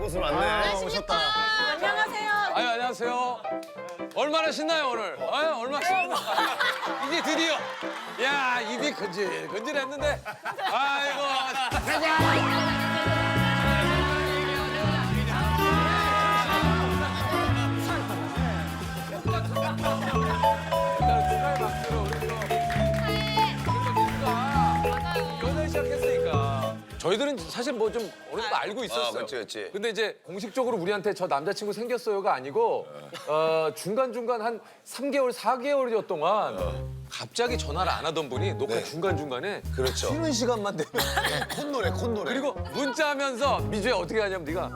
곳으로 왔네. 오셨다. 안녕하세요. 아유, 안녕하세요. 얼마나 신나요, 오늘? 얼마나 신나. 이제 드디어. 야, 입이 건질했는데. 아이고. 축하의 박수로 우리 또 연애 시작했으니까. 저희들은 사실 뭐 좀 어느 정도 알고 있었어요. 그렇지. 근데 이제 공식적으로 우리한테 저 남자친구 생겼어요가 아니고 중간중간 한 3개월, 4개월여 동안 갑자기 전화를 안 하던 분이 녹화 중간중간에 그렇죠. 쉬는 시간만 되면 콘노래. 그리고 문자하면서 미주야 어떻게 하냐면 네가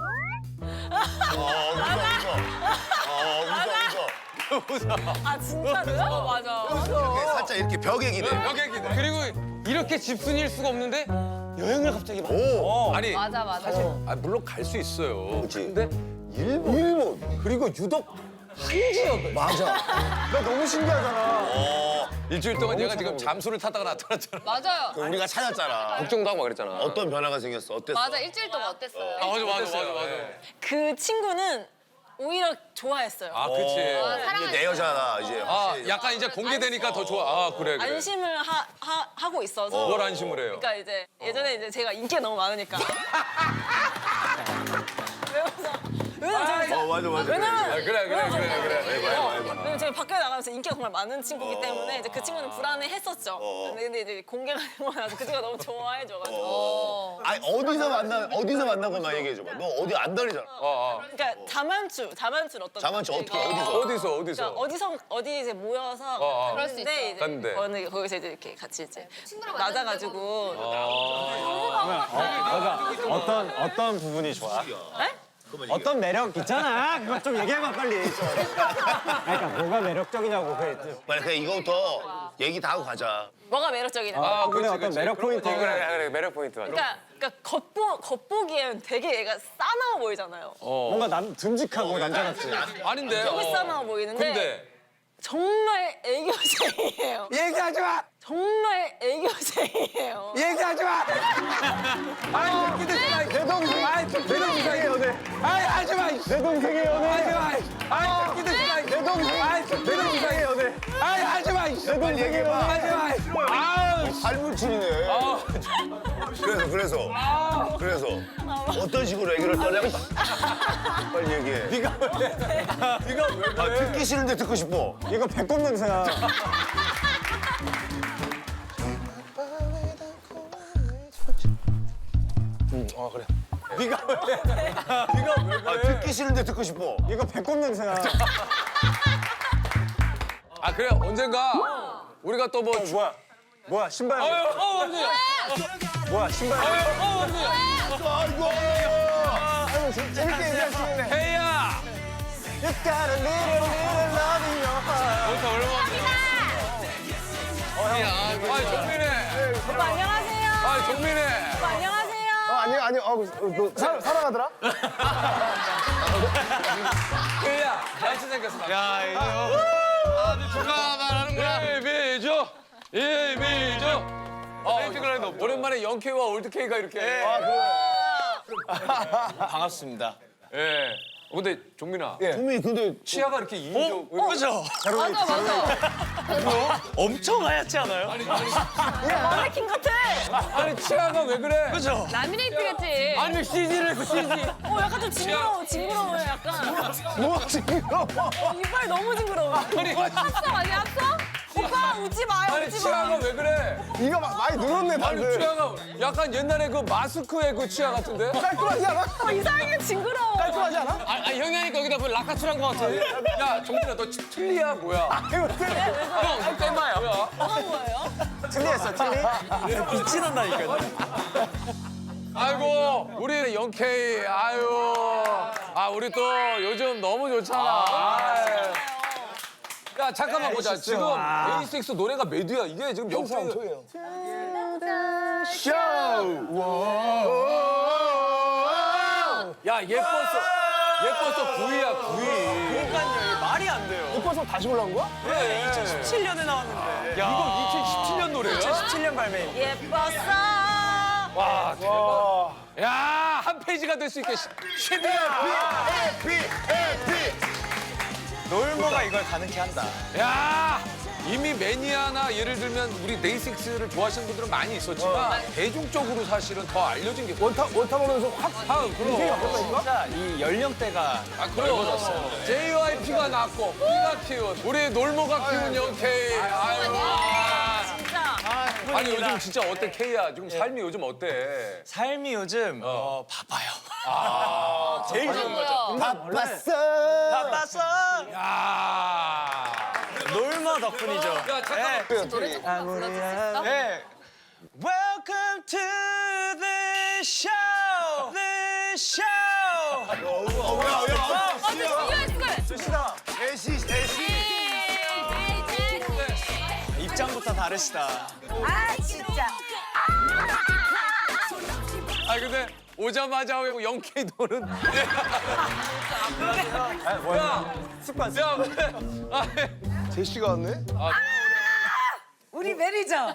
웃어. 아 진짜로요? 맞아. 이렇게 살짝 이렇게 벽에 기대. 벽에 기대. 그리고 이렇게 집순이일 수가 없는데 여행을 갑자기 막. 아니 맞아 맞아. 사실 물론 갈 수 있어요. 그치. 근데 일본. 그리고 유독 한 지역. 맞아. 나 너무 신기하잖아. 일주일 동안 얘가 지금 잠수를 타다가 나타났잖아. 맞아요. 그 우리가 찾았잖아. 걱정도 하고 막 그랬잖아. 어떤 변화가 생겼어? 어땠어? 맞아 일주일 동안 어땠어요? 맞아. 그 친구는 오히려 좋아했어요. 아, 그치. 이제 내 여자다 이제. 아, 약간 이제 공개되니까 더 좋아. 아, 그래. 안심을 하고 있어서. 뭘 안심을 해요? 그러니까 이제 예전에 이제 제가 인기가 너무 많으니까. 맞아. 왜냐면 그래. 왜냐면 제가 밖에 나가면서 인기가 정말 많은 친구기 때문에 이제 그 친구는 불안해했었죠. 근데 이제 공개가 되고 나서 그 친구가 너무 좋아해줘가지고. 아니 어디서 만난 것만 얘기해줘봐. 너 어디 안 다니잖아. 그러니까 자만추 어떤? 자만추 어떻게 어디서? 그러니까 어디 이제 모여서 갔는데 이제 거기서 이제 이렇게 같이 이제 낮아가지고. 어떤 부분이 좋아? 네? 어떤 매력 있잖아. 그거 좀 얘기해봐 빨리. 그러니까 뭐가 매력적이냐고. 빨리 그냥 이거부터 얘기 다 하고 가자. 뭐가 매력적이냐? 아, 그분의 그치. 어떤 매력 포인트. 그래 매력 포인트 맞아. 그러니까 겉보기엔 되게 얘가 싸나워 보이잖아요. 뭔가 듬직하고 남자같이. 아닌데. 되게 싸나워 보이는데 근데 정말 애교쟁이에요. 얘기하지 마. 정말 애교쟁이에요. 얘기하지 마. 아이, 새끼들. 내 동생. 아이, 내 동생의 연애. 아이, 하지 마. 내 동생의 연애. 하지 마. 아이, 새끼들. 내 동생. 아이, 내 동생의 연애. 아이, 하지 마. 내 동생의 연애. 하지 마. 아우. 발물질이네. 그래서 어떤 식으로 애교를 떠냐고 빨리 얘기해. 네가 왜 그래? 듣기 싫은데 듣고 싶어. 이거 배꼽 냄새야. 그래. 네가 왜 그래? 듣기 싫은데 듣고 싶어. 이거 배꼽 냄새야. 아, 그래. 언젠가 우리가 또 뭐. 뭐야 신발. 언니. 뭐야 신발. 언니. 아이고. 재밌게 얘기하시네. 헤이야. You got a little love in your heart. 아이, 정민혜. 오빠 안녕하세요. 아이, 정민혜. 오빠 안녕하세요. 아니 사랑하더라. 헤이야. 날씨 생겼어. 야 이거 아주 축하 말하는구나. 이미죠. 오랜만에 영케이와 올드케이가 이렇게. 반갑습니다. 예. 근데 종민아. 동민이 근데 치아가 이렇게 인조. 그죠? 맞아. 엄청 하얗지 않아요? 마네킹 같아. 아니, 치아가 왜 그래? 그죠? 라미네이트 같지. 아니 CG를 했어 CG. 약간 좀 징그러워요 약간. 뭐가 징그러워. 이빨 너무 징그러워. 아니, 합성 아니야 합성? 오빠 웃지 마요 아니, 웃지 치아가 마. 왜 그래? 이가 많이 늘었네 아니, 방금. 치아가 약간 옛날에 그 마스크의 그 치아 같은데? 깔끔하지 않아? 이상하게 징그러워. 깔끔하지 않아? 아 형이 하니까 여기다 뭐 라카츄란 거 같아. 야, 종민아, 너 틀리야, 뭐야? 형 땜마야. 뭐야? 뭐한 거예요? 틀리했어 틀리. 빛이 난다니까요. 아이고, 우리 영케이, 아유. 아, 우리 또 요즘 너무 좋잖아. 아유. 야, 잠깐만 보자. 지금 데이식스 노래가 메디야. 이게 지금 영케이. 쇼. 야, 예뻤어, 구이야, 구이. 그러니까요 말이 안 돼요. 이뻐서 다시 올라온 거야? 네 2017년에 나왔는데. 이거 2017년 노래야? 2017년 발매. 예뻤어. 와, 대박. 야, 한 페이지가 될 수 있게 최대한. 에피. 놀모가 이걸 가능케 한다. 야 이미 매니아나 예를 들면 우리 데이식스를 좋아하시는 분들은 많이 있었지만 대중적으로 사실은 더 알려진 게 원타 보면서 확. 그럼. 진짜 이 연령대가 아, 그래요. JYP가 낳고, 우리가 키운, 우리 놀모가 키운 영케이. 아유. 진짜. 아니, 요즘 진짜 어때, 케이야? 지금 삶이 요즘 어때? 삶이 요즘 바빠요. 제일 좋은 거죠. 바빴어. 바빴어. 야. 놀모 덕분이죠. 야, 잠깐만. 노래 조금만 불러줄 수 있어? 네. Welcome to the show. The show. 대시. 입장부터 다르시다. 아 진짜. 아, 근데 오자마자 하고 영케이 노는. 야, 습관. 야, 아, 제시가 왔네? 우리 매니저.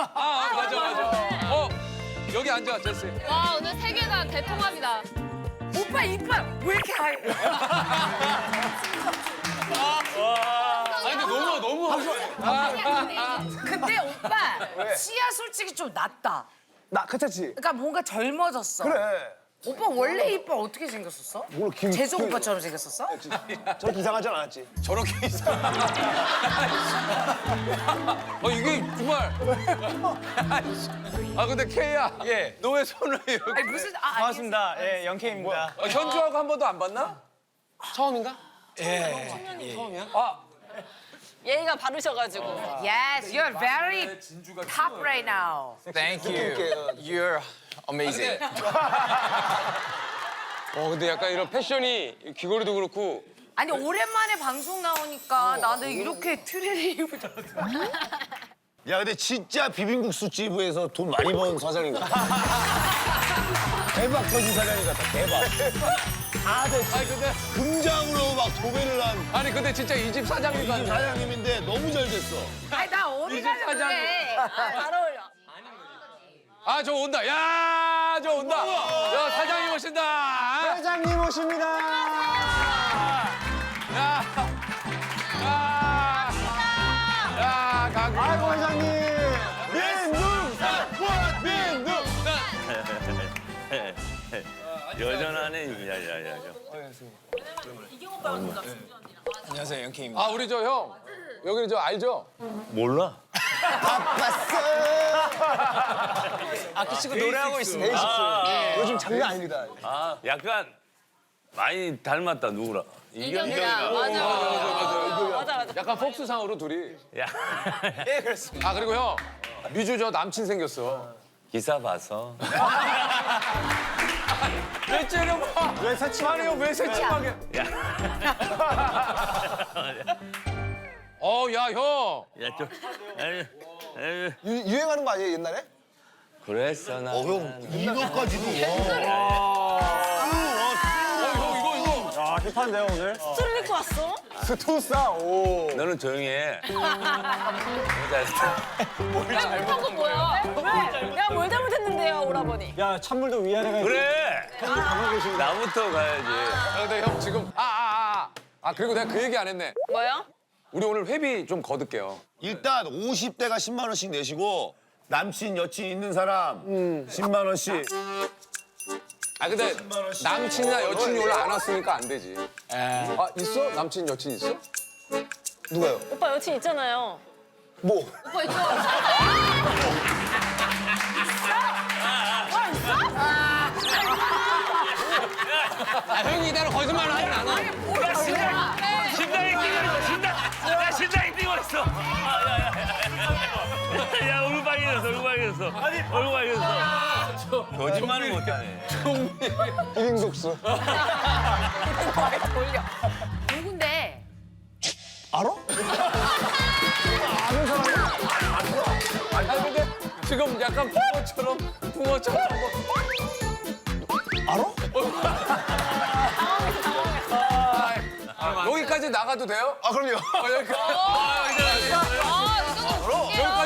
맞아. 여기 앉아, 제시. 와, 오늘 세 개 다 대통합이다. 오빠 이빨 왜 이렇게 하얘? 아니, 근데 너무. 근데 오빠 치아 솔직히 좀 낫다. 나 괜찮지? 그러니까 뭔가 젊어졌어. 그래. 오빠 원래 이빨 어떻게 생겼었어? 뭘 재석 오빠처럼 생겼었어? 저렇게 이상하지 않았지? 저렇게 있어. 이게 정말. 아, 근데 케이야. 예. 너 왜 손을 이렇게. 아니 무슨 반갑습니다. 예, 영케입니다. 현주하고 한 번도 안 봤나? 처음인가? 아, 예의가 바르셔가지고. Yes, you're very top right now. Thank you. You're amazing. 근데 약간 이런 패션이 귀걸이도 그렇고 아니 오랜만에 방송 나오니까 나는 이렇게 트레이 입을 줄 알았어. 야, 근데 진짜 비빔국수 집에서 돈 많이 번 사장인 것 같아. 대박 터진 사장인 것 같아, 대박. 아니, 근데. 금장으로 막 도배를 한 아니, 근데 진짜 이 집 사장님 같네. 사장님인데 너무 잘 됐어. 아니 나 어디 가서 그래. 잘 어울려. 아, 저 온다. 야, 저 온다. 야, 사장님 오신다. 회장님 오십니다. 야. 가구. 아이고 회장님. 여전하네. 야야야. 안녕하세요, 영케입니다. 아, 우리 저 형. 여기는 저 알죠? 몰라? 그 친구 노래하고 있습니다. 요즘 장난 아닙니다. 아 약간 많이 닮았다 누구라? 이경이랑. 맞아. 약간 폭스상으로 둘이. 야 예, 그렇습니다. 아, 그리고 형. 미주 저 남친 생겼어. 기사 봐서. 왜 째려봐? 왜 새침하네요? 왜 새침하게? 야, 형. 야좀 유행하는 거 아니에요, 옛날에? 그랬어 나. 형, 이거까지도. 이거. 아, 힙한데요 오늘? 술을 입고 왔어? 스투사. 오. 너는 조용히 해. 못한 건 뭐야? 왜? 내가 뭘 잘못했는데요, 오라버니? 야 찬물도 위아래가 있고. 그래. 가만히 계십니다. 나부터 가야지. 근데 형 지금. 그리고 내가 그 얘기 안 했네. 뭐요? 우리 오늘 회비 좀 거둘게요. 일단 50대가 10만 원씩 내시고 남친, 여친 있는 사람 10만 원씩. 아, 근데 남친이나 여친이 원래 안 왔으니까 안 되지. 아, 있어? 남친, 여친 있어? 누가요? 오빠 여친 있잖아요. 뭐? 오빠 있죠? 형이 이대로 거짓말을 하진 않아. 심장이 뛰고 심장. 야 심장이 뛰고 있어. 야 얼굴 빨개졌어. 얼굴 빨개졌어. 얼굴 빨개졌어. 거짓말을 못하네. 비빔국수. 돌려. 누군데? 알아? 아니, 근데 지금 약간 붕어처럼 알아? 여기까지 나가도 돼요? 아, 그럼요. 여기까지. 아, 이거 여기까지